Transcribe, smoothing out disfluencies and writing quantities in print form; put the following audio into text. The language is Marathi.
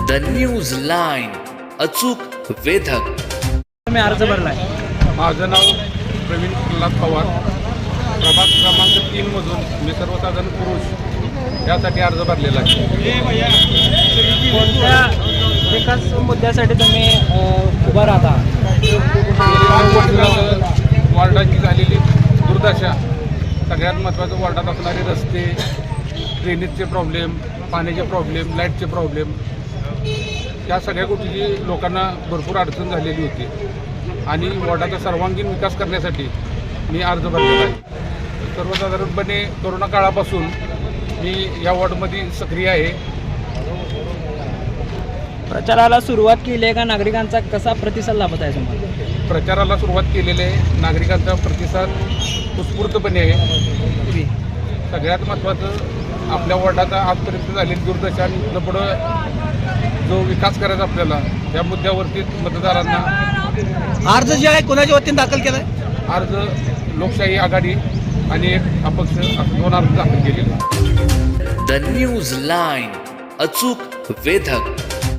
द न्यूज लाईन, अचूक वेधक. तुम्ही अर्ज भरलाय. माझं नाव प्रवीण प्रल्हाद पवार. प्रभाग क्रमांक 3 मधून मी सर्वसाधारण पुरुष यासाठी अर्ज भरलेला आहे. कोणत्या विकास मुद्द्यासाठी तुम्ही उभा राहता? वॉर्डाची झालेली दुर्दशा, सगळ्यात महत्त्वाचं वॉर्डात असणारे रस्ते, ड्रेनेजचे प्रॉब्लेम, पाण्याचे प्रॉब्लेम, लाईटचे प्रॉब्लेम, या सगळ्या गोष्टीची लोकांना भरपूर अडचण झालेली होती आणि वॉर्डाचा सर्वांगीण विकास करण्यासाठी मी अर्ज भरलेला आहे. सर्वसाधारणपणे कोरोना काळापासून मी या वॉर्डमध्ये सक्रिय आहे. प्रचाराला सुरुवात केली आहे का? नागरिकांचा कसा प्रतिसाद लाभत आहे तुम्हाला? प्रचाराला सुरुवात केलेली आहे. नागरिकांचा प्रतिसाद उत्स्फूर्तपणे आहे. सगळ्यात महत्त्वाचं आपल्या वॉर्डाचा आजपर्यंत झालेली दुर्दशा आणि इथनं पुढं जो विकास करायचा आपल्याला, त्या मुद्द्यावरती मतदारांना अर्ज जे आहे कोणाच्या वतीने दाखल केला आहे? अर्ज लोकशाही आघाडी आणि एक अपक्ष असं 2 अर्ज दाखल केलेले. द न्यूज लाईन, अचूक वेधक.